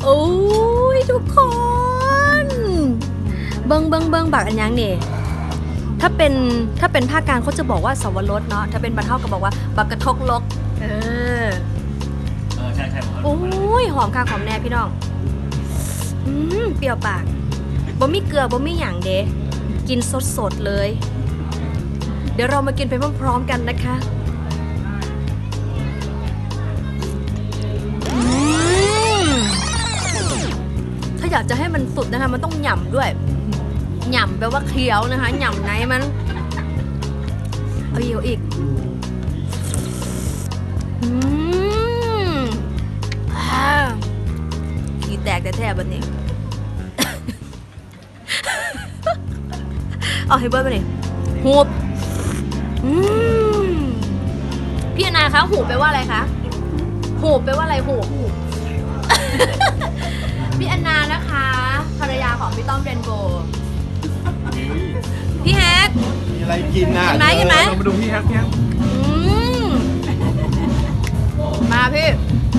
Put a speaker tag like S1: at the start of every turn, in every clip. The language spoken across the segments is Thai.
S1: โอ้ยทุกคนเบิงบักอันยังนี่ถ้าเป็นภาคกลางเขาจะบอกว่าสวรสเนาะถ้าเป็นบ้านเฮาก็บอกว่าบักกระทกลก
S2: ใช่
S1: โอ้ยหอมค่ะหอมแน่พี่น้องเปรี้ยวปากบ่มีเกลือบ่มีหยังเด้กินสดๆเลยเดี๋ยวเรามากินไปพร้อมๆกันนะคะถ้าอยากจะให้มันสุดนะคะมันต้องหย่ำด้วยหย่ำแปลว่าเคี้ยวนะคะหย่ำไหนมันเอาอีกขี้แตกแต่แทบวันนี้ เอาให้เบิร์ดไปเลยหูบพี่อนาคะหูบแปลว่าอะไรคะหูบแปลว่าอะไรหูบ พี่อนานะคะภรรยาของพี่ต้อมเรนโบว์พี่แฮก
S3: มีอะไรกินนะ
S1: กินไหม
S3: เรามาดูพี่แฮก
S1: มาพี่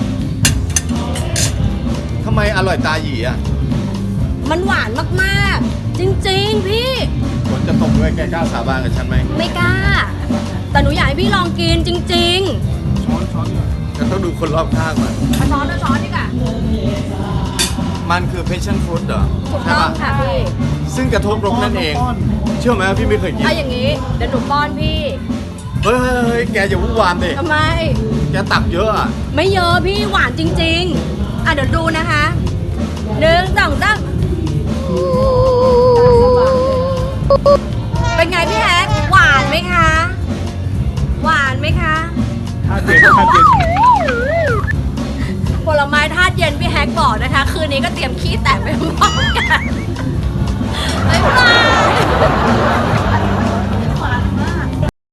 S3: ทำไมอร่อยตาหยีอ่ะ
S1: มันหวานมากๆจริงๆพี่
S3: ฝนจะตกด้วยแกกล้าสาบานกับฉันไหม
S1: ไม่กล้าแต่หนูอยากให้พี่ลองกินจริง
S3: ๆช้อนจะต้องดูคนรอบข้างมัน
S1: ช้อนดีกว่า
S3: มันคือ passion fruit เหรอ
S1: ถูกต้องค่ะพี่
S3: ซึ่งกระทบรกนั่นเองเชื่อไหมว่าพี่ไม่เคยกิน
S1: ถ้าอย่างนี้เดี๋ยวหนูป้อนพี่
S3: เฮ้ยแกอย่าวุ่นวามดิ
S1: ทำไม
S3: แกตักเยอะอ่ะ
S1: ไม่เยอะพี่หวานจริงๆเดี๋ยวดูนะคะ1 2 3เป็นไงพี่แฮกหวานไหมคะหวานไหมคะ
S3: ธาตุเย็น
S1: ผลไม้ธาตุเย็นพี่แฮกบอกนะคะคืนนี้ก็เตรียมขี้แตกไปหมด